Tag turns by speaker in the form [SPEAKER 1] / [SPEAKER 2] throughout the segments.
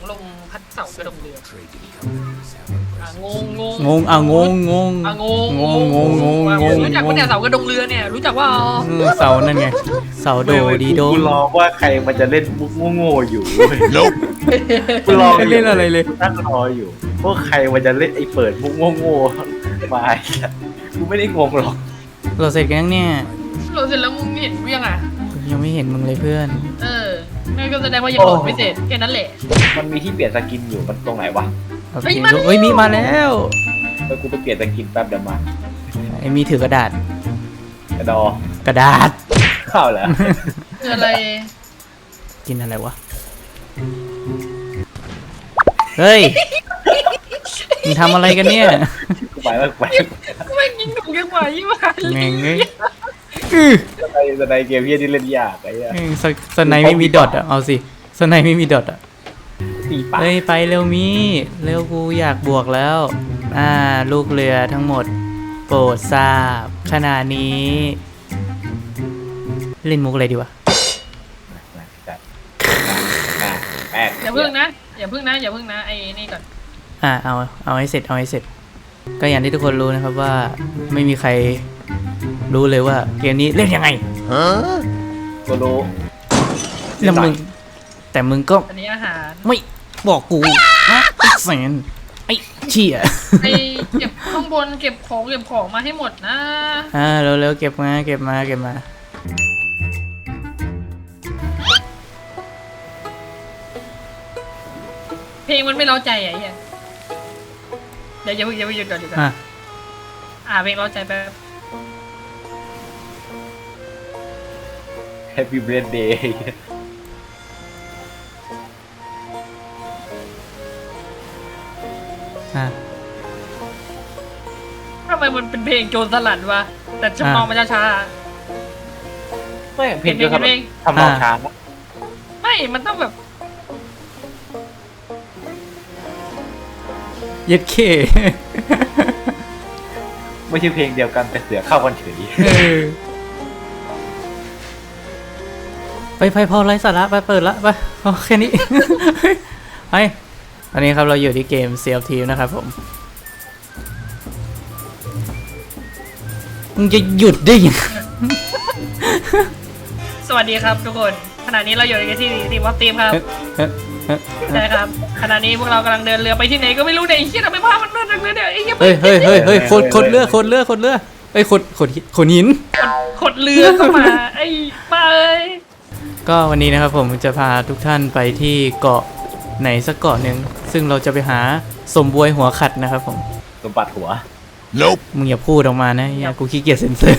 [SPEAKER 1] ลมพัดเสากระดงเรืองงงง
[SPEAKER 2] งงอ่ะงงงง
[SPEAKER 1] งง
[SPEAKER 2] งงงงง
[SPEAKER 1] รู้จักว่าเนี่ยเสากระดงเรือเนี่ยรู้จักว่า
[SPEAKER 2] เสานั่นไงเสาโดดีโด
[SPEAKER 3] กูรอว่าใครมันจะเล่นมุกโง่ๆอยู่กูรอ
[SPEAKER 2] ไม่เล่นอะไรเลย
[SPEAKER 3] นั่งรออยู่ว่าใครมันจะเล่นไอ้เปิดมุกโง่ๆมากูไม่ได้งงหรอก
[SPEAKER 2] เราเสร็จกันยังเนี่ย
[SPEAKER 1] เราเสร็จแล้วมึงเห็นกูยังอ่ะ
[SPEAKER 2] ยังไม่เห็นมึงเลยเพื่อน
[SPEAKER 1] นั่นก็แสดงว่ายังโหลดไม่เสร็จแค่นั้นแหละ
[SPEAKER 3] มันมีที่เปลี่ยนสกินอยู่มันตรงไหนวะ
[SPEAKER 2] โอเคเฮ้ยมีมาแล้ว
[SPEAKER 3] เออกูไปเปลี่ยนสกินแป๊บเดี๋ยวมา
[SPEAKER 2] ไอ้มีถือกระดาษ
[SPEAKER 3] กระดอก
[SPEAKER 2] ระดาษ
[SPEAKER 3] ข้าวแล้ว
[SPEAKER 1] คืออะไร
[SPEAKER 2] กินอะไรวะเฮ้ยมึงทำอะไรกันเนี่ย
[SPEAKER 3] กูไปแล้วไป
[SPEAKER 1] กูไม่ยิงถูกยังไหวมา
[SPEAKER 2] แม่งเอ้ย
[SPEAKER 3] สไนเกมเฮียที่เล่นยากไอ้เหี้ย
[SPEAKER 2] สไนไม่มีดอทอ่ะเอาสิสไนไม่มีดอทอ่ะ
[SPEAKER 3] ตีปาก
[SPEAKER 2] เฮ้ยไปเร็วมีเร็วกูอยากบวกแล้วลูกเรือทั้งหมดโปรดทราบขณะนี้เล่นมุกอะไรดีวะ
[SPEAKER 3] แป๊ก
[SPEAKER 1] อย่าพึ่งนะอย่าพึ่งนะไอ้นี่ก่อน
[SPEAKER 2] เอาให้เสร็จเอาให้เสร็จ ก็อย่างที่ทุกคนรู้นะครับว่าไม่มีใครรู้เลยว่าเกมนี้เล่นยังไง
[SPEAKER 3] กูรู้
[SPEAKER 2] แล้วมึงแต่มึงก็
[SPEAKER 1] อันนี้อาหาร
[SPEAKER 2] ไม่บอกกูนะไอ้แสนไอ้เชี่ย
[SPEAKER 1] ไอ้เก็บข้างบนเก็บของมาให้หมดนะ
[SPEAKER 2] เร็วๆเก็บมา
[SPEAKER 1] เพลงมันไม่เร้าใจไอ้เหี้ยเดี๋ยวอย่าเพิ่งหยุดก่อนเพลงเร้าใจแป๊บ
[SPEAKER 3] แฮปปี้เบิร์ดเดย์
[SPEAKER 1] ทำไมมันเป็นเพลงโจรสลัดวะแต่จำนองมันช้า
[SPEAKER 3] ไม่เพลงเดียวกับ
[SPEAKER 1] เพลง
[SPEAKER 3] ทำนองช้าปะ
[SPEAKER 1] ๆไม่มันต้องแบบ
[SPEAKER 2] เย็ดเค
[SPEAKER 3] ไม่ใช่เพลงเดียวกันแต่เสือเข้ากันเฉย
[SPEAKER 2] ไปพอไร้สาระไปเปิดละไปโอแค่นี้ ไปตอนนี้ครับเราอยู่ที่เกม Sea of Thieves นะครับผมมึงจะหยุดได้ยังไง
[SPEAKER 1] สวัสดีครับทุกคนขณะนี้เราอยู่ในที่ทีมวัฟทีมครับใช่ครับขณะนี้พวกเรากำลังเดินเรือไปที่ไหนก็ไม่รู้เนี่ยไอ้เหี้ยทำไมภาพมันเลื่อนเรือเนี่ยไอ้เหี้ย
[SPEAKER 2] เฮ้ยขดเรือเอ้ยขดหิน
[SPEAKER 1] ขดเรือเข้ามาไอ้บ้าเอ้ย
[SPEAKER 2] ก็วันนี้นะครับผมจะพาทุกท่านไปที่เกาะไหนสักเกาะหนึ่งซึ่งเราจะไปหาสมบวยหัวขัดนะครับผม
[SPEAKER 3] สมบัติหัว
[SPEAKER 2] มึงอย่าพูดออกมานะอย่ากูขี้เกียจเซ็นเซอร์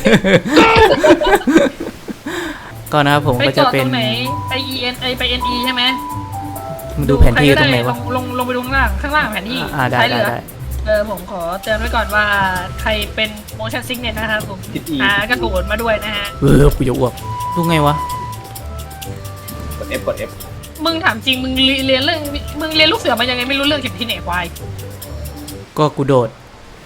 [SPEAKER 2] ก็นะครับผม
[SPEAKER 1] ไป
[SPEAKER 2] ก็จะ
[SPEAKER 1] เกาะ
[SPEAKER 2] เป็
[SPEAKER 1] ต
[SPEAKER 2] น
[SPEAKER 1] รงไหนไป EN ไป NE ใช่ไหม
[SPEAKER 2] มึงดูแผนที่ตรงไหนวะ
[SPEAKER 1] ลงไปดูข้างล่างแผนที่
[SPEAKER 2] ได้
[SPEAKER 1] ท้ายเรือ
[SPEAKER 2] ได้
[SPEAKER 1] ผมขอเตือนไว้ก่อนว่าใครเป็น motion sickness นะครับผมกระโดดมาด้วยนะฮะ
[SPEAKER 2] กูจะอ้วกดูไงวะ
[SPEAKER 3] กด F
[SPEAKER 1] มึงถามจริงมึงเรียนลูกเสือมายังไงไม่รู้เรื่องเข็มที่ไหนควาย
[SPEAKER 2] ก็กูโดด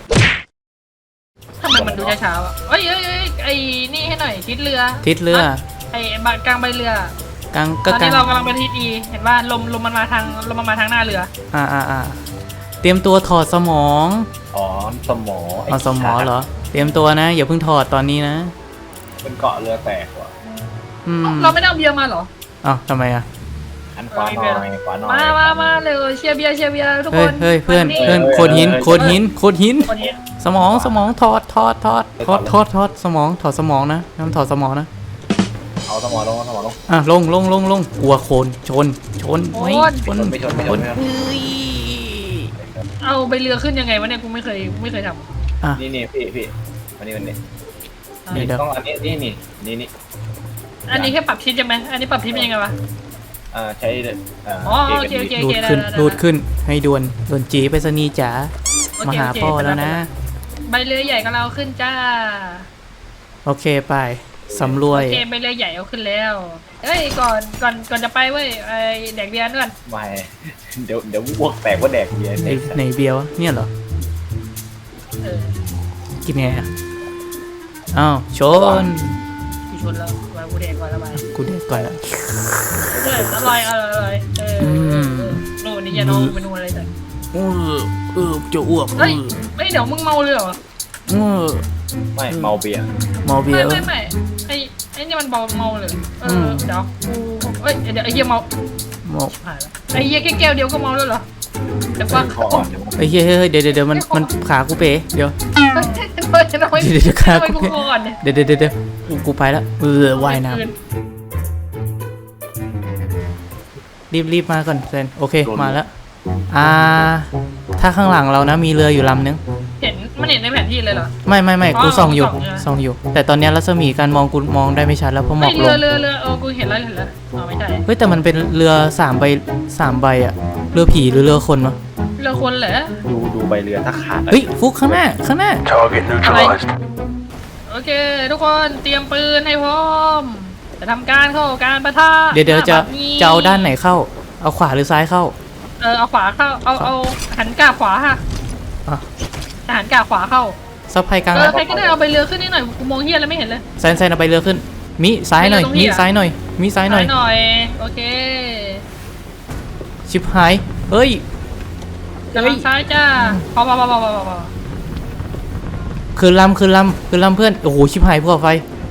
[SPEAKER 1] ทำไมมันดูช้าๆวะเอ้ยไอ้นี่ให้หน่อยทิศเรือ
[SPEAKER 2] ทิศเรือ
[SPEAKER 1] ไอ้กลางใบเรือก
[SPEAKER 2] ลาง
[SPEAKER 1] ต
[SPEAKER 2] ก็
[SPEAKER 1] อน
[SPEAKER 2] กลา
[SPEAKER 1] นี้
[SPEAKER 2] ง
[SPEAKER 1] เรากำลังไปทิศ E เห็นว่าลมมันมาทางหน้าเรือ
[SPEAKER 2] เตรียมตัวถอดสมอง
[SPEAKER 3] อ๋อสมอ
[SPEAKER 2] เอาสมองเหรอเตรียมตัวนะอย่าเพิ่งถอดตอนนี้นะ
[SPEAKER 3] เป็นเกาะเรือแตกว่ะ
[SPEAKER 1] เราไม่ได้เอาเบียร์มาเหรอ
[SPEAKER 2] อ้าวทำไมอ่ะ
[SPEAKER 3] อันขวาหน่อยขวาหน่อย
[SPEAKER 1] มาเร็วเชียร์เบียร์ทุกคน
[SPEAKER 2] เฮ้ยเพื่อนโคดหิน
[SPEAKER 1] คนนี้
[SPEAKER 2] สมองถอดสมองถอดสมองนะน้ำถอดสมองนะ
[SPEAKER 3] เอาสมอลง
[SPEAKER 2] ลงกลัวโคนชนไม่ชน
[SPEAKER 3] ไม่ชน
[SPEAKER 1] เอาใบเรือขึ้นยังไงวะเนี่ยกูไม่เคยท
[SPEAKER 3] นี่พี่วันนี้
[SPEAKER 2] นี่เด้อ
[SPEAKER 3] ต้องอันนี้นี่
[SPEAKER 1] ำอันนี้แค่ปรับทิศใช่ไหมอันนี้ปรับทิศเป็นยังไงวะ
[SPEAKER 3] ใช้
[SPEAKER 1] โอเค
[SPEAKER 2] รูดขึ้นให้ด่วนจีไปสนีจ๋ามาหาพ่อแล้วนะ
[SPEAKER 1] ใบเรือใหญ่ก็เราขึ้นจ้า
[SPEAKER 2] โอเคไปสำรวย
[SPEAKER 1] โอเคใบเรือใหญ่เอาขึ้นแล้วเฮ้ยก่อนจะไปเว้ยไอแดกเบียร์ด้วย
[SPEAKER 3] ไม่เดี๋ยวพวกแตกว่าแดกเบียร์
[SPEAKER 2] ในเบียร์วะเนี่ยเหรอ กินไงอ่ะอ้าวชน
[SPEAKER 1] กูชนแล้วมากูแดกก่อนแล้วไป
[SPEAKER 2] กูเด็กก่อนละ
[SPEAKER 1] อร่อยนู่นนี่อย่าน้องเป็นอะไรแต่
[SPEAKER 2] จะอ้วก
[SPEAKER 1] เฮ้ยไม่เดี๋ยวมึงเมาเลยเหรอ
[SPEAKER 3] ไม่เมาเบียร์
[SPEAKER 2] เมาเบียร์
[SPEAKER 1] ไม่ไอ้นี่มันเมาเลยเดี๋ยวกูเอ้ยเดี๋ยวไอ้เหี้ยเมา
[SPEAKER 2] เมา
[SPEAKER 1] หายแล้วไอ้เหี้ยแค่แก้วเดียวก็เมาแล้วเหรอเดี๋ยวว่า
[SPEAKER 3] คออ่อน
[SPEAKER 2] เฮ้ยเดี๋ยวมันขากูเป๋เดี๋ยว
[SPEAKER 1] ทำไมกูก่อนเนี่ย
[SPEAKER 2] เดี๋ยวกูไปแล้วว่ายน้ำรีบมาก่อนเซนโอเคมาแล้วถ้าข้างหลังเรานะมีเรืออยู่ลำนึง
[SPEAKER 1] เห็นมันเห็นในแผนที่เลยเหรอ
[SPEAKER 2] ไม่กูส่องอยู่
[SPEAKER 1] ส่องอยู่
[SPEAKER 2] แต่ตอนนี้รัศมีการมองกูมองได้ไม่ชัดแล้วเพราะหม
[SPEAKER 1] ไม่
[SPEAKER 2] อกลง
[SPEAKER 1] เรือกูเห็นแล้วไม่ใช่
[SPEAKER 2] เฮ้ยแต่มันเป็นเรือ3 ใบอะเรือผีหรือเรือคนวะ
[SPEAKER 1] เรือคนเหรอ
[SPEAKER 3] ดูใบเรือถ้าขาด
[SPEAKER 2] เฮ้ยฟุกข้างหน้า
[SPEAKER 4] Target neutralized.
[SPEAKER 1] โอเคทุกคนเตรียมปืนให้พร้อมจะทำการเข้าการปะทะ
[SPEAKER 2] เดี๋ยวจะเอาด้านไหนเข้าเอาขวาหรือซ้ายเข้า
[SPEAKER 1] เอาขวาเข้าเอาหันกาขวาค่ะ
[SPEAKER 2] อ่ะ
[SPEAKER 1] หันกาขวาเข้า
[SPEAKER 2] ซับไพกลางนะ
[SPEAKER 1] ใครก็ได้เอาไปเรือขึ้นนิดหน่อยกูมองเฮียแล้วไม่เห็นเลย
[SPEAKER 2] แซนเอาไปเรือขึ้นมิซ้ายหน่อย
[SPEAKER 1] ไปเรือตรงนี้
[SPEAKER 2] มิ
[SPEAKER 1] อะ
[SPEAKER 2] ซ้ายหน่อยมิซ้ายหน่อย
[SPEAKER 1] หน่อยโอเค
[SPEAKER 2] ชิบหายเฮ้ย
[SPEAKER 1] กำลังซ้ายจ้าพอ
[SPEAKER 2] คืนลำเพื่อนโอ้โหชิบหายพวกไฟ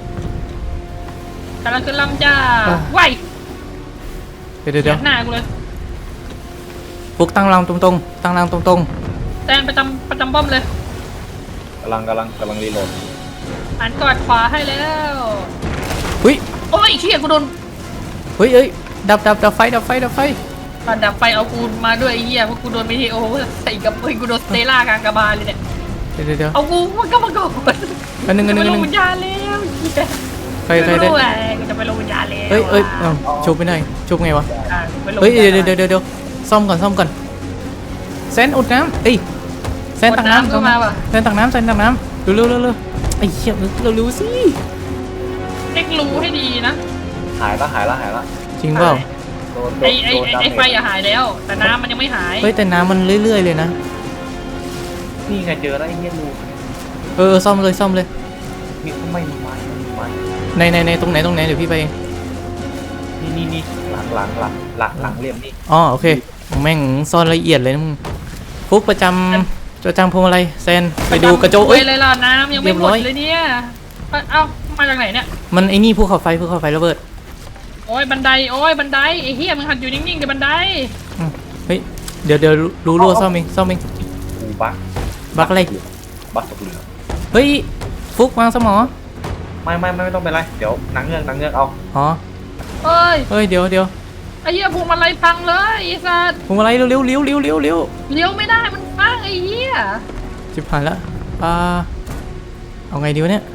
[SPEAKER 1] กำลังขึ้นลำจ้า
[SPEAKER 2] อ่ะ
[SPEAKER 1] ไหว
[SPEAKER 2] เดี๋ยว
[SPEAKER 1] หน้ากูเลย
[SPEAKER 2] ฟุกตั้งลำตรง
[SPEAKER 1] แตนประจำป้อมเลย
[SPEAKER 3] กำลังรีโหลด
[SPEAKER 1] หันกอดขวาให้แล้ว
[SPEAKER 2] เฮ้ย
[SPEAKER 1] โอ้ยเชี่ยกูโดน
[SPEAKER 2] เฮ้ยดับไฟ
[SPEAKER 1] ตอนดับไฟเอากูมาด้วยไอ้เหี้ยเพราะกูโดนไม่ทีโอ้โหใส่กับกูโดนสเตล่ากลางกระบาลเลยเนี่ย
[SPEAKER 2] เดี๋ยว
[SPEAKER 1] เอากูมันก็มาก่อน
[SPEAKER 2] อันหนึ่ง
[SPEAKER 1] จะไปลงวิญญาณแล้วเหี้ย
[SPEAKER 2] ใครได้
[SPEAKER 1] ไม่รู้อะกูจะไปลงวิญญาณแล้ว
[SPEAKER 2] เอ้ยชุบไปหน่อยชุบไงวะ
[SPEAKER 1] ไปลง
[SPEAKER 2] เฮ้ย
[SPEAKER 1] วิญญาณ
[SPEAKER 2] เดี๋ยวซ่อมก่อนเซนอุดน้ำเซนตักน้ำ
[SPEAKER 1] ก็มาว่ะ
[SPEAKER 2] เซนตักน้ำเร็วไอ้เหี้ยเร็วสิ
[SPEAKER 1] เล็กรูให้ดีนะ
[SPEAKER 3] หายละ
[SPEAKER 2] จริงเปล่า
[SPEAKER 3] โดน
[SPEAKER 1] ไอ้ไฟอะหายแล้ว แต่น้ำมันยังไม่หาย
[SPEAKER 2] เฮ้ยแต่น้ำมันเรื่อยๆเลยนะ
[SPEAKER 3] นี่ไงเจอแล้วไอ้เหี้ยรู
[SPEAKER 2] ซ่อมเลย
[SPEAKER 3] มีไม่มีไม้
[SPEAKER 2] ในตรงไหนเดี๋ยวพี่ไปเอง
[SPEAKER 3] นี่หลังเรียมนี่
[SPEAKER 2] อ๋อโอเคแม่งซ่อนละเอียดเลยนะมึงฟุกประจำพวงมาลัยเซนไปดูกระโจก
[SPEAKER 1] เอ้ยเลยล่ะน้ำยังไม่หมด
[SPEAKER 2] เรียบร้อย
[SPEAKER 1] เลยเนี่ยเอ้ามาจากไหนเนี่ย
[SPEAKER 2] มันไอ้นี่ภูเขาไฟระเบิด
[SPEAKER 1] โอ้ยบันไดไอ้เหี้ยมึงหัดอยู่นิ่งๆเดี๋ยวบันได
[SPEAKER 2] เฮ้ยเดี๋ยวรู้รั่วซ่อมเอง
[SPEAKER 3] กูบัก
[SPEAKER 2] บักอะไร
[SPEAKER 3] บักตกเรือ
[SPEAKER 2] เฮ้ยฟุกวางสมอ
[SPEAKER 3] ไม่ต้องเป็นไรเดี๋ยวนังเงือกเอา
[SPEAKER 2] อ๋อ
[SPEAKER 1] เอ้ย
[SPEAKER 2] เฮ้ยเดี๋ยว
[SPEAKER 1] ไอ้เหี้ยพวงมาลัยพังเลยไอ้สัส
[SPEAKER 2] พวงมาลัยเร็ว
[SPEAKER 1] เลี้ยวไม่ได้มันพังไอ้เหี้ย
[SPEAKER 2] จิบผ่านละเอาไงดีวะเนี่ย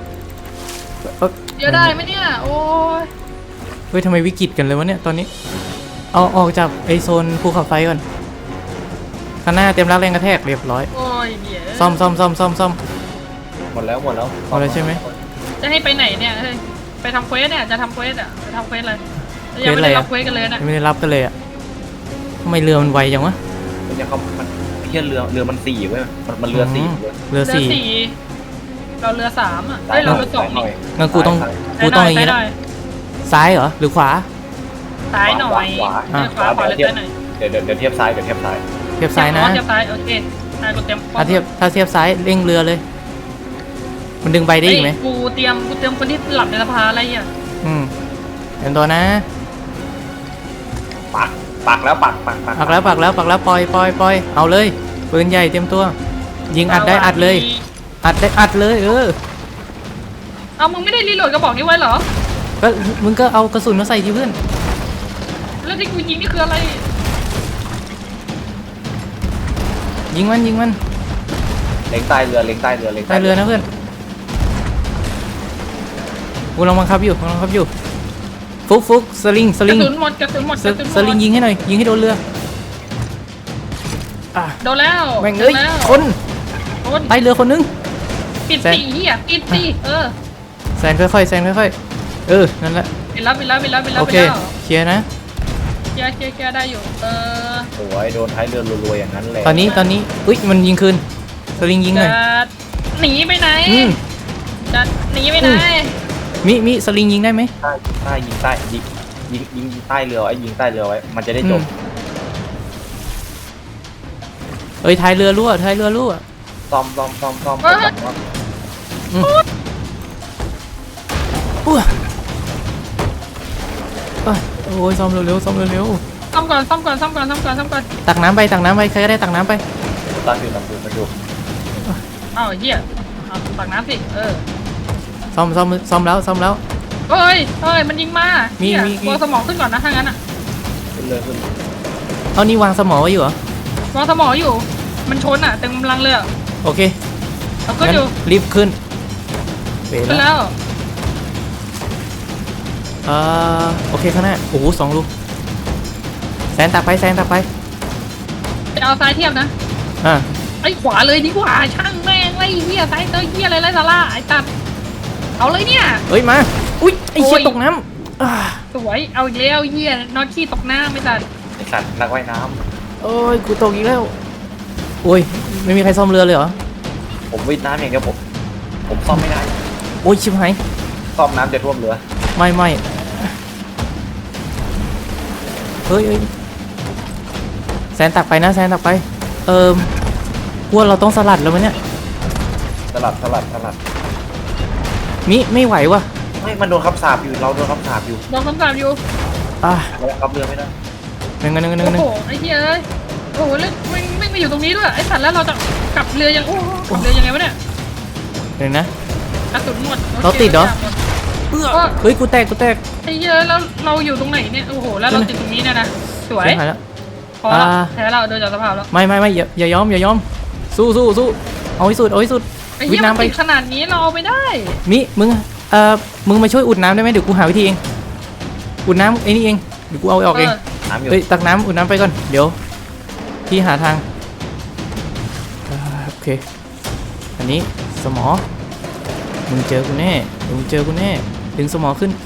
[SPEAKER 1] เดี๋ยวได้ไหมเนี่ยโอ้ย
[SPEAKER 2] เฮ้ยทำไมวิกฤตกันเลยวะเนี่ยตอนนี้เอาออกจากไอโซนภูเขาไฟก่อนข้างหน้าเต็มรับแรงกระแทกเรียบร้อย
[SPEAKER 1] โอ้ยเดี๋ยว
[SPEAKER 2] ซ่อม
[SPEAKER 3] หมดแล้ว
[SPEAKER 2] หมดแล้วใช่ไหม
[SPEAKER 1] จะให้ไปไหนเนี่ยเฮ้ยไปทำเควสเนี่ยจะทำเควสอะจะทำเควสอะไรยังไม่ได้รับเควสกันเลยนะ
[SPEAKER 2] ยังไม่ได้รับกันเลยอ่ะทำไมเรือมันไวจังวะ
[SPEAKER 3] เนี่ยเขาไอ้เหี้ยเรือมัน4เว้ยมันเรือ4เว้ย
[SPEAKER 2] เรือสี่
[SPEAKER 1] เราเรือ3อะเฮ้ยเราเรือ2นี่
[SPEAKER 2] งั้นกูต้องอย่างนี้นะ
[SPEAKER 1] ซ้าย
[SPEAKER 2] ซ้ายเหรอหรือขวา
[SPEAKER 1] ซ้ายหน่อย
[SPEAKER 3] ขวา
[SPEAKER 1] ขวาเลยซ้ายหน่อย
[SPEAKER 3] เดี๋ยวเทียบซ้าย
[SPEAKER 2] เทียบซ้ายนะ
[SPEAKER 1] เทียบซ้ายโอเคกูเตรียม
[SPEAKER 2] ถ้าเทียบซ้ายเร่งเรือเลย มันดึงใบได้อีกไหม
[SPEAKER 1] กูเตรียมคนที่หลับในสภาอะไรอ่ะ
[SPEAKER 2] เต็มตัวนะ
[SPEAKER 3] ปักแล้ว
[SPEAKER 2] ปักแล้วปล่อยเอาเลยปืนใหญ่เตรียมตัว ยิงอัดได้อัดเลย
[SPEAKER 1] เอามึงไม่ได้รีโหลดกระบอกนี้ไว้เหรอ
[SPEAKER 2] ก็มึงก็เอากระสุนมาใส่ที่เพื่อน
[SPEAKER 1] แล้วที่กูยิงนี่คืออะไร
[SPEAKER 2] ยิงมัน
[SPEAKER 3] เล็งใต้เรือ
[SPEAKER 2] ใต้เรือนะเพื่อนกูลองบังคับอยู่ฟุกสลิง
[SPEAKER 1] กระสุนหมด
[SPEAKER 2] สลิงยิงให้หน่อยยิงให้โดนเรือ
[SPEAKER 1] โดนแล้ว
[SPEAKER 2] แม่งเอ้ยคนใต้เรือคนนึง
[SPEAKER 1] ปิดสีเหี้ยปิดสี
[SPEAKER 2] แซนค่อยๆนั่นแหละ
[SPEAKER 1] ปิดแล้ว
[SPEAKER 2] โอเคเคลียร์นะ
[SPEAKER 1] เคลียร์ได้อยู่
[SPEAKER 3] โอ้ยโดนท้ายเรือรัวๆอย่างนั้นเลย
[SPEAKER 2] ตอนนี้อุ้ยมันยิงคืนสลิงยิงหน่อย
[SPEAKER 1] จะหนีไปไหนจะหนีไปไหน
[SPEAKER 2] มิสลิงยิงได้ไหม
[SPEAKER 3] ยิงใต้เรือไว้มันจะได้จบ
[SPEAKER 2] อ้ยท้ายเรือรั่วท้ายเรือรั่ว
[SPEAKER 3] ซ่อม
[SPEAKER 2] อ้วโอ้ยซ่อมเร็วๆซ่อมเร็ว
[SPEAKER 1] ซ่อมก่อน
[SPEAKER 2] ๆตักน้ำไปใครก็ได้ตักน้ำไป
[SPEAKER 3] ตั้งอยู่มาดู
[SPEAKER 1] เอ้าไอ้เหี้ยเอาตักน้ำสิ
[SPEAKER 2] ซ่อมแล้ว
[SPEAKER 1] เฮ้ยมันยิงมา
[SPEAKER 2] มี
[SPEAKER 1] เหี้ยวางสมองขึ้นก่อนนะถ้างั้นอ่ะ
[SPEAKER 3] ขึ้นเลยขึ้น
[SPEAKER 2] เอานี่วางสมอไว้อยู่เหรอ
[SPEAKER 1] วางสมองอยู่มันชนอ่ะเต็มกำลังเลยอะ
[SPEAKER 2] โอเค
[SPEAKER 1] เอาขึ้น
[SPEAKER 2] งั้น
[SPEAKER 1] อยู่
[SPEAKER 2] รีบขึ้นเป๋
[SPEAKER 1] ขึ้น
[SPEAKER 2] แล้ว
[SPEAKER 1] แล้ว
[SPEAKER 2] โอเคข้างหน้าโอ้โห2 ลูกแซนตักไป
[SPEAKER 1] จะเอาซ้ายเทียบนะ
[SPEAKER 2] อ่า
[SPEAKER 1] ไอ้ขวาเลยดีกว่าช่างแม่งไอ้เหี้ยซ้ายเตยเหี้ยอะไรไรสาระไอ้ตัดเอาเลยเนี่ย
[SPEAKER 2] เฮ้ยมาอุ้ยไอ้เชี่ย
[SPEAKER 1] โอ้ย
[SPEAKER 2] ตกน้ำ
[SPEAKER 1] สวยเอาอีกแล้วเหี้ยนอนขี้ตกน้ำไม่ตัด
[SPEAKER 3] ไอสัตว์นักว่ายน้
[SPEAKER 2] โอ้ยกูตกอีกแล้วโอ้ยไม่มีใครซ่อมเรือเลยเหรอ
[SPEAKER 3] ำผมว่ายน้ำอย่างเดียวผมซ่อมไม่ได้
[SPEAKER 2] โอ้ยชิบหาย
[SPEAKER 3] ซ่อมน้ำจะท่วมเรือ
[SPEAKER 2] ไม่เฮ้ยแซนตักไปนะพวกเราต้องสลัดแล้วมั้ยเนี่ย
[SPEAKER 3] สลัด
[SPEAKER 2] มิไม่ไหววะ
[SPEAKER 3] ไม่มันโดนคำสาปอยู่เราโดนคำสาปอยู่
[SPEAKER 1] ลองคำสาบอยู่
[SPEAKER 3] เราขับเรือไม่ได้
[SPEAKER 2] หนึ่ง
[SPEAKER 1] โอ้โหไอ้เหี้ยเอ้ยโอ้โหแล้วไม่มาอยู่ตรงนี้ด้วยไอ้สัตว์แล้วเราจะกลับเรือยังโอ้โหกลับเรือยังไงวะเนี่ย
[SPEAKER 2] หนึ่งนะ
[SPEAKER 1] กระสุนหมด
[SPEAKER 2] เราติดเหรอ
[SPEAKER 1] โค
[SPEAKER 2] เฮ้ยกูแตก
[SPEAKER 1] ไอ้เหี้ยแล้วเราอยู่ตรงไหนเนี่ยโอ้โหแล้วเราติดตรงนี้เนี่ยนะสวย
[SPEAKER 2] ชิบหายแล้ว
[SPEAKER 1] พอแล้วแพ้เราโดนจากสภาพแล้ว
[SPEAKER 2] ไม่อย่ายอมสู้เอาให้สุด
[SPEAKER 1] ไอ้
[SPEAKER 2] วิ
[SPEAKER 1] เหี้
[SPEAKER 2] ท
[SPEAKER 1] ย
[SPEAKER 2] ย์
[SPEAKER 1] มัน
[SPEAKER 2] น้ำไป
[SPEAKER 1] ติดขนาดนี้เราเอาไปได้
[SPEAKER 2] มิมึงมาช่วยอุดน้ำได้ไหมเดี๋ยวกูหาวิธีเองอุดน้ำไอ้นี่เองเดี๋ยวกูเอาออกเอง
[SPEAKER 3] น้ำอยู่
[SPEAKER 2] เฮ้ยตักน้ำอุดน้ำไปก่อนเดี๋ยวพี่หาทางโอเคอันนี้สมอมึงเจอกูแน่ดึงสมอขึ้น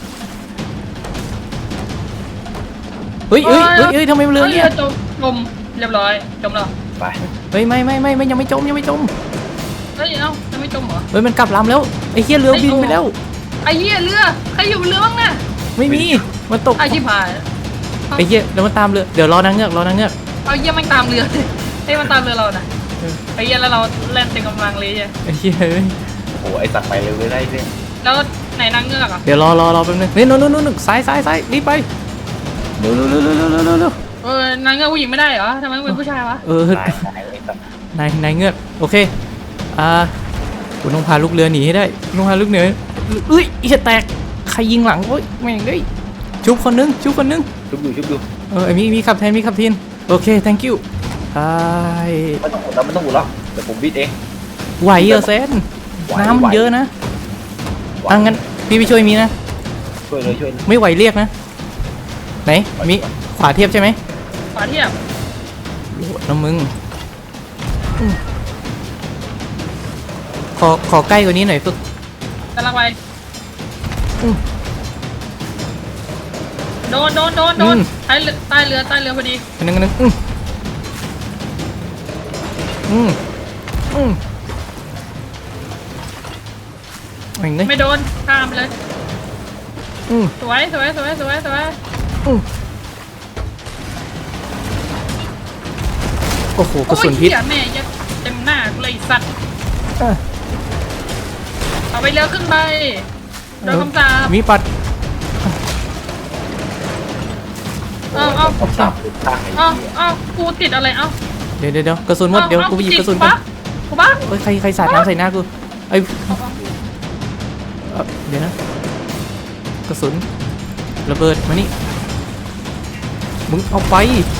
[SPEAKER 2] เฮ้ยทำไมมันเรือเนี่ย
[SPEAKER 1] จมเรียบร้อยจมแล้ว
[SPEAKER 3] ไป
[SPEAKER 2] เฮ้ยไม่ยังไม่จม
[SPEAKER 1] เฮ้ยเอ้ายังไม่จมเหรอ
[SPEAKER 2] เฮ้ยมันกลับลำแล้วไอ้เหี้ยเรือบินไปแล้ว
[SPEAKER 1] ไอ้เหี้ยเรือใครอยู่บนเรือบ้างน่ะ
[SPEAKER 2] ไม่มีมันตก
[SPEAKER 1] ไอ้ชิบหาย
[SPEAKER 2] ไอ้เหี้ยแล้วมันตามเรือเดี๋ยวรอนางเงือก
[SPEAKER 1] เอาเหี้ยมันตามเรือให้มันตามเรือเราน่ะไอ้เหี้ยแล้วเราเล่นเต็มกำลังเลยจ้ะ
[SPEAKER 2] ไอ้เหี้ยเอ้ย
[SPEAKER 3] โอ้ไอสัตว์ไปเร็วเลยได้เนี่ย
[SPEAKER 1] แล้วไหนนางเงือกอ่ะ
[SPEAKER 2] เดี๋ยวรอแป๊บนึงนี่นู่นซ้ายรีบไปเร็ว
[SPEAKER 1] นางเงือกผู้หญิงไม่ได้เหรอทำไมต้องเป็นผู้ชายวะ
[SPEAKER 3] ตายไอสัตว์
[SPEAKER 2] นายเงือกโอเคกูต้องพาลูกเรือหนีให้ได้ต้องพาลูกเรือเอ้ยไอ้แตกใครยิงหลังโอ้ยแม่งเอ้ยชุบคนนึง
[SPEAKER 3] ชุบอยู่
[SPEAKER 2] ไอ้มีขับแทนโอเค thank you
[SPEAKER 3] ไม่ต้องอุดแล้วเดี๋ยวผมบิดเอง
[SPEAKER 2] ไหวเหรอเซนน้ำมันเยอะนะงั้นพี่ไปช่วยมีนะ
[SPEAKER 3] ช่วยเลย
[SPEAKER 2] ไม่ไหวเรียกนะไหนมีขวาเทียบใช่ไหม
[SPEAKER 1] ขวาเทียบ
[SPEAKER 2] น้ำมึงขอใกล้กว่านี้หน่อยฝึก
[SPEAKER 1] กำลังไปโดนใต้เรือพอดี
[SPEAKER 2] อันนึง
[SPEAKER 1] ไม่โดนข้ามเลยสวย
[SPEAKER 2] โอ้โหกระสุนพิษ
[SPEAKER 1] โอ้ยเหี้ยแม่ยัดเต็มหน้ากูเลยสัตว์เอาไปเรือขึ้นไปโดนคำสาป
[SPEAKER 2] มีปัด
[SPEAKER 1] เอา
[SPEAKER 3] คำสาปตั้งไอ้
[SPEAKER 1] เอากูติดอะไรเอา
[SPEAKER 2] เดี๋ยวกระสุนหมดเดี๋ยวกูไปหยิบกระสุนก่อน
[SPEAKER 1] กูบ้า
[SPEAKER 2] เฮ้ยใครสาดน้ำใส่หน้ากูไอ้เดี๋ยวนะกระสุนระเบิดมานี่มึงเอาไป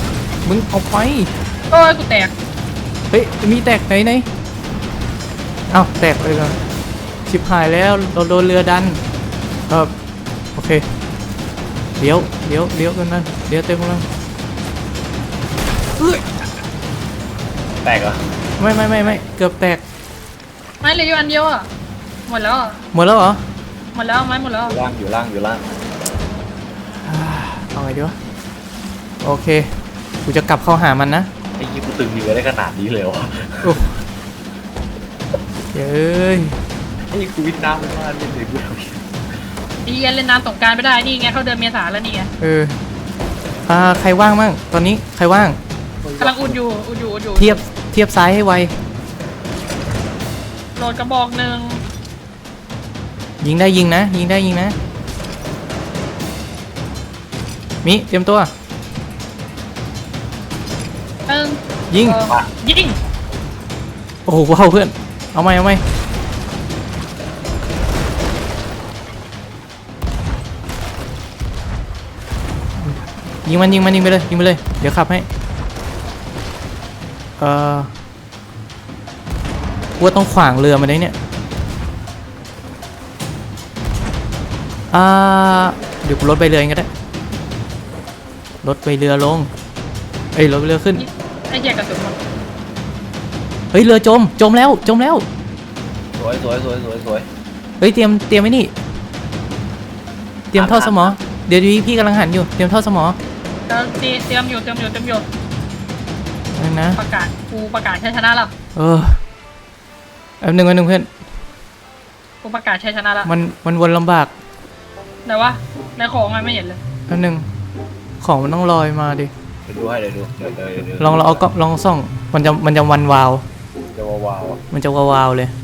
[SPEAKER 1] โอ้ยกูแตก
[SPEAKER 2] เฮ้ยมีแตกไหนเอ้าแตกไปก่อนชิบหายแล้วเราโดนเรือดันโอเคเดี๋ยวกันนั่นเดี๋ยวเต็มกำลัง
[SPEAKER 3] แตกเหรอ
[SPEAKER 2] ไม่เกือบแตก
[SPEAKER 1] ไม้เหลืออยู่อันเดียวอ่ะหมดแล้ว
[SPEAKER 2] หมดแล้วเหรอ
[SPEAKER 1] หมดแล้วไม้หมดแล้ว
[SPEAKER 3] อยู่ล่าง
[SPEAKER 2] เอาไงดีวะโอเคกูจะกลับเข้าหามันนะ
[SPEAKER 3] ไอ้ยี่กูตึงเรือได้ขนาดนี้เลยวะ
[SPEAKER 2] เย้ย
[SPEAKER 3] ไอ้กูวิทน้ำมันมาเล่นเลยกู
[SPEAKER 1] ดีเล่นน้ำสงกรารไม่ได้นี่ไงเขาเดินเมษาแล้วนี่ไง
[SPEAKER 2] ใครว่างมั่งตอนนี้ใครว่าง
[SPEAKER 1] กำลังอุ่นอยู่
[SPEAKER 2] เทียบเทียบซ้ายให้ไว
[SPEAKER 1] โหลดกระบอกหนึ่ง
[SPEAKER 2] ยิงได้ยิงนะ ยิงได้ยิงนะ มิเตรียมตัว
[SPEAKER 1] หนึ่ง
[SPEAKER 2] ยิง
[SPEAKER 1] สองยิง
[SPEAKER 2] โอ้โหว้าวเพื่อน เอาไหมเอาไหมยิงมันยิงมันยิงไปเลยยิงไปเลย เดี๋ยวขับให้กูว่าต้องขวางเรือมันได้เนี่ยเดี๋ยวกูลดไปเรือเองก็ได้ลดไปเรือลงเอ้ยลดไปเรือขึ้น
[SPEAKER 1] ไอ้เหี้ยกระสุนหมด
[SPEAKER 2] เฮ้ยเรือจมจมแล้วจมแล้ว
[SPEAKER 3] สวยสวยสวยสวยสวย
[SPEAKER 2] เฮ้ยเตรียมไว้นี่เตรียมท่อสมอเดี๋ยวพี่กำลังหันอยู่เตรียมท่อสมอ
[SPEAKER 1] เตรียมอยู่
[SPEAKER 2] นั่นนะ
[SPEAKER 1] ประกาศชัยชนะแล้ว
[SPEAKER 2] แป๊บนึงเพื่อน
[SPEAKER 1] กูประกาศชัยชนะแล้ว
[SPEAKER 2] มันวนลำบาก
[SPEAKER 1] แต่ว่าในของมันไม่เห็นเลย
[SPEAKER 2] แป๊บนึงของมันต้องลอยมาดิ
[SPEAKER 3] เดี๋ยวดูให้เดี๋ยวดูเดี๋ยว
[SPEAKER 2] ลองเราเอาก็ลองส่องมันจะวันวาว
[SPEAKER 3] จะว้าวอ่ะ
[SPEAKER 2] มันจะวาวเลย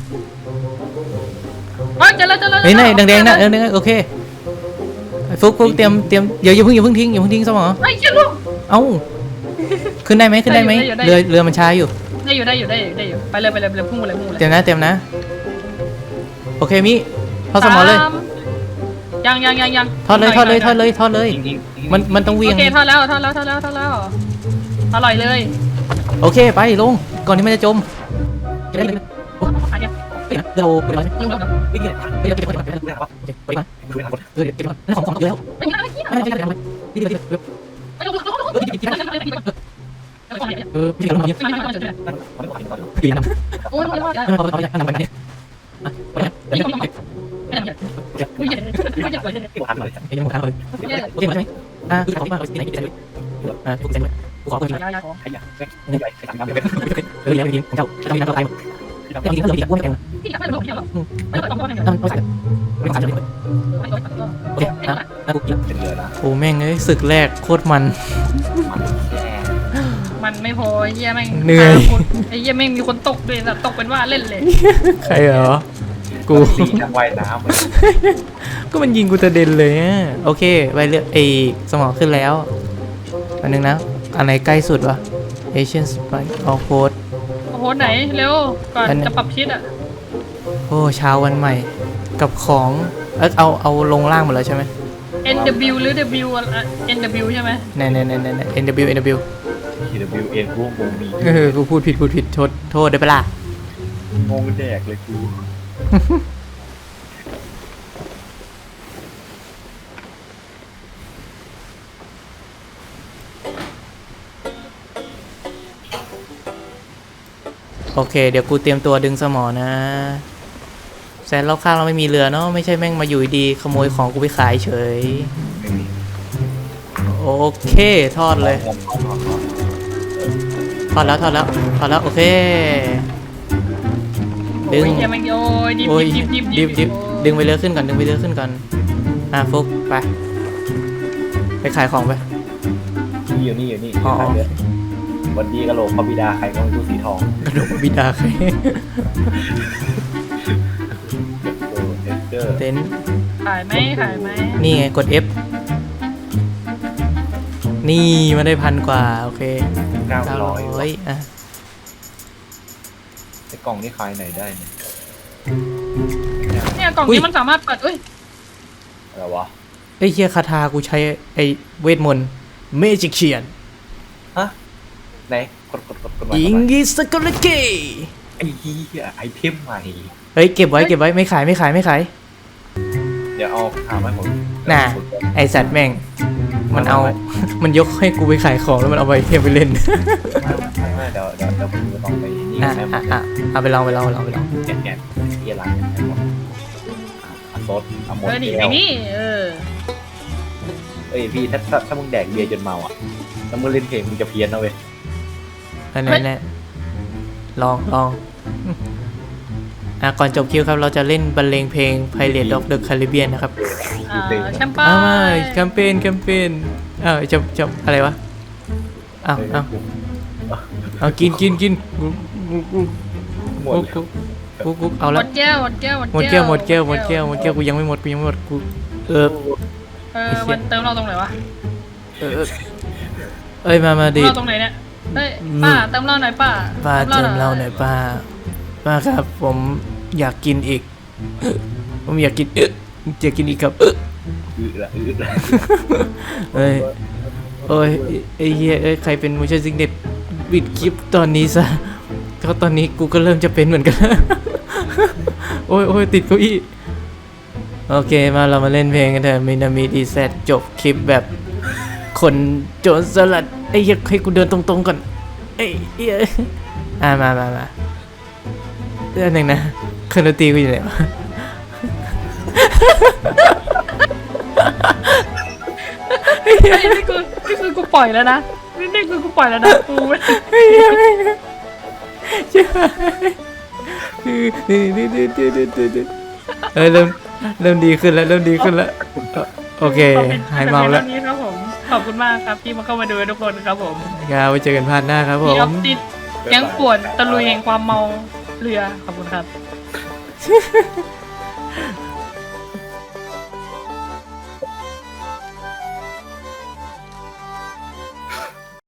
[SPEAKER 1] เจอแล้ว
[SPEAKER 2] เฮ้ยนี่แดงๆนะโอเคฟุกเตรียมอย่าเพิ่งทิ้งสมอ
[SPEAKER 1] ไอ้เหี้ยลูก
[SPEAKER 2] เอ้าขึ้นได้ไหม
[SPEAKER 1] ได้อยู่
[SPEAKER 2] เรือมันช้าอยู่
[SPEAKER 1] ได้อยู่ไปเลยพุ่งเลย
[SPEAKER 2] เตรียมนะโอเคมิทอดสมอเลย
[SPEAKER 1] ยัง
[SPEAKER 2] ทอดเลย
[SPEAKER 3] จริง
[SPEAKER 2] มันต้องเวีย
[SPEAKER 1] โอง เคทอดแล้วอร่อยเลย
[SPEAKER 2] โอเคไปลงก่อนที่มันจะจมได้เลย
[SPEAKER 1] อันเนี้ย
[SPEAKER 2] เราไปเลย
[SPEAKER 1] ยุ่งแล้ว
[SPEAKER 3] ๆไม่เกี่ยว
[SPEAKER 2] ไปเลยไปมา
[SPEAKER 3] ดูนะ
[SPEAKER 2] นั่นของเยอะ
[SPEAKER 1] ไม่ได้ไม่ได้
[SPEAKER 2] ไม่ใช่นี่เดี๋ยวพี่กำลังยิงพี่นำ
[SPEAKER 1] โอ้ย
[SPEAKER 2] เขาจะนำไปไหนไปไหนเดี๋ยวยังหมดทางเลยโอเคหมดใช่ไหมคือของที่มาที่ไหนที่ไหนทุกเซนเลยกูขอเพิ่มเลย
[SPEAKER 3] ไอ้ยาไอ้ใหญ่ไอ้ต่างๆเลย
[SPEAKER 2] แล้วยิงของเจ้าจะมีน้ำตายหมดแต่ยิงก็เหลืออีกกูไม่แข็งเลยต้องใส่ไม่ต้องใส่เลยโอเคนะกูกิน
[SPEAKER 3] เป็นเรือนะ
[SPEAKER 2] โอ้แม่งเอ้ยศึกแรกโคตรมัน
[SPEAKER 1] มันไม่พอไอ้เหี้ยแม่ง
[SPEAKER 2] เหนื่อย
[SPEAKER 1] ไอ้เหี้ยแม่งมีคนตกด้วยนะตกเป็นว่าเล่นเลย
[SPEAKER 2] ใครเหรอกู
[SPEAKER 3] ตีนักว่ายน้ำเลย
[SPEAKER 2] ก็มันยิงกูจะเด่นเลยโอเคไปเรือไอสมองขึ้นแล้วอันนึงนะอันไหนใกล้สุดวะ Asian Spike Outpost
[SPEAKER 1] โอ้โหไหนเร็วก่อนจะปรับชิดอ่ะ
[SPEAKER 2] โอ้เช้าวันใหม่กับของเอาลงล่างหมดแล้วใช่ไหม
[SPEAKER 1] NW หรือ W NW ใช่ไหม
[SPEAKER 2] แน่NW
[SPEAKER 3] ทีเดบิวเอ็นกูงงมี
[SPEAKER 2] กูพูดผิดโทษได้ปะล่ะ
[SPEAKER 3] งงแดกเลยกู
[SPEAKER 2] โอเคเดี๋ยวกูเตรียมตัวดึงสมอนะแซนรอบข้างเราไม่มีเรือเนาะไม่ใช่แม่งมาอยู่ดีขโมยของกูไปขายเฉย
[SPEAKER 3] ไม่มี
[SPEAKER 2] โอเคทอดเลยทอดแล้วโอเคดึง
[SPEAKER 1] โอ้ยเหี้ยแม่งโอ้ยดิบ
[SPEAKER 2] โอ้ย
[SPEAKER 1] ดิบ
[SPEAKER 2] ดึงไปเรือขึ้นก่อนฟุกไปขายของไป
[SPEAKER 3] นี่อยู่นี่
[SPEAKER 2] อ๋อ
[SPEAKER 3] วันดีกะโหลกพระบิดาใครก็ไม่รู้สีทอง
[SPEAKER 2] กระโดดบิดาใคร
[SPEAKER 3] เดอร์
[SPEAKER 2] เต็นท์
[SPEAKER 1] ขายไหม
[SPEAKER 2] นี่ไงกด F นี่มาได้1,000 กว่าโอเค 900อ่ะ
[SPEAKER 3] ไอ้กล่องนี่ขายไหนได้เนี่ย
[SPEAKER 1] เนี่ยกล่องนี้มันสามารถเปิดเอ้ย
[SPEAKER 3] อะไรวะ
[SPEAKER 2] ไอ้เฮียคาถากูใช้ไอ้เวทมนต์เมจิกเชียน
[SPEAKER 3] ฮะไหนกดมา
[SPEAKER 2] อิงกิสกอลเก
[SPEAKER 3] ไอ้เหี้ยไอเทมใหม่
[SPEAKER 2] เฮ้ยเก็บไว้ไม่ขาย
[SPEAKER 3] เดี๋ยวเอาถามให้ผม
[SPEAKER 2] น่ะไอสัตว์แม่งมันเอามันยกให้กูไปขายของแล้วมันเอาไปเทียมไปเล่น
[SPEAKER 3] ไม่เดี๋ยวผมจะต้องไปนี่
[SPEAKER 2] อ่ะ
[SPEAKER 3] แม่
[SPEAKER 2] เอาไปลอง
[SPEAKER 3] แกะเฮียร้านซดเอาหมด
[SPEAKER 1] นี่
[SPEAKER 3] แก้ว
[SPEAKER 1] นี่
[SPEAKER 3] เอ้ยพี่ถ้ามึงแดกเบียร์จนเมาอ่ะแล้วมึงเล่นเพลงมึงจะเพี้ยนนะเว้ย
[SPEAKER 2] แน่ลองก่อนจบคิวครับเราจะเล่นบรรเลงเพลง Pirates of the Caribbean นะครับ
[SPEAKER 1] แชมเปญ
[SPEAKER 2] แคมเปญจะอะไรวะอ้าวเอากินกู
[SPEAKER 3] หมดแล้ว
[SPEAKER 2] กูเอา
[SPEAKER 1] หม
[SPEAKER 2] ละ
[SPEAKER 1] ดแก้วหมดแก้ว
[SPEAKER 2] หมดแก้วกูยังไม่หมดกู
[SPEAKER 1] มันเติมเราตรงไหนวะ
[SPEAKER 2] เอ้ยมาดิ
[SPEAKER 1] เราตรงไหนเนี่ยเฮ้ยป้าเติมเราหน่อยป้า
[SPEAKER 2] ป้าเติมเหล้าหน่อยป้าครับผมอยากกินอีกผมอยากกินจะกินอีกครับ
[SPEAKER 3] ละ
[SPEAKER 2] เอ้ยโอ้ยไอ้เหี้ยใครเป็นมูชั่นซิกเน็ตปิดคลิปตอนนี้ซะก็ตอนนี้กูก็เริ่มจะเป็นเหมือนกัน โอ้ยติดเก้าอี้โอเคมาเรามาเล่นเพลงกันเถอะมินามิดีเซตจบคลิปแบบคนโจรสลัดไอ้เหี้ยให้กูเดินตรงๆก่อนไอ้เหี้ยมาเรื่องหนึ่งนะเครื่องดนตรีกูอยู่ไหนวะ
[SPEAKER 1] เฮ้ยนี่คือกูปล่อยแล้วนะนี่คือกูปล่อยแล้วนะกูไม่
[SPEAKER 2] ใช่เริ่มดีขึ้นแล้วโอเคหายเมาแล้ว
[SPEAKER 1] นี้ครับผมขอบคุณมากครับที่มาเข้ามาดูทุกคนครับผม
[SPEAKER 2] ไว้เจอกันพาร์ทหน้าครับผ
[SPEAKER 1] มีออ
[SPEAKER 2] ม
[SPEAKER 1] ฟติดยังปวดตะลุยแห่งความเมาเรือขอบคุณครับ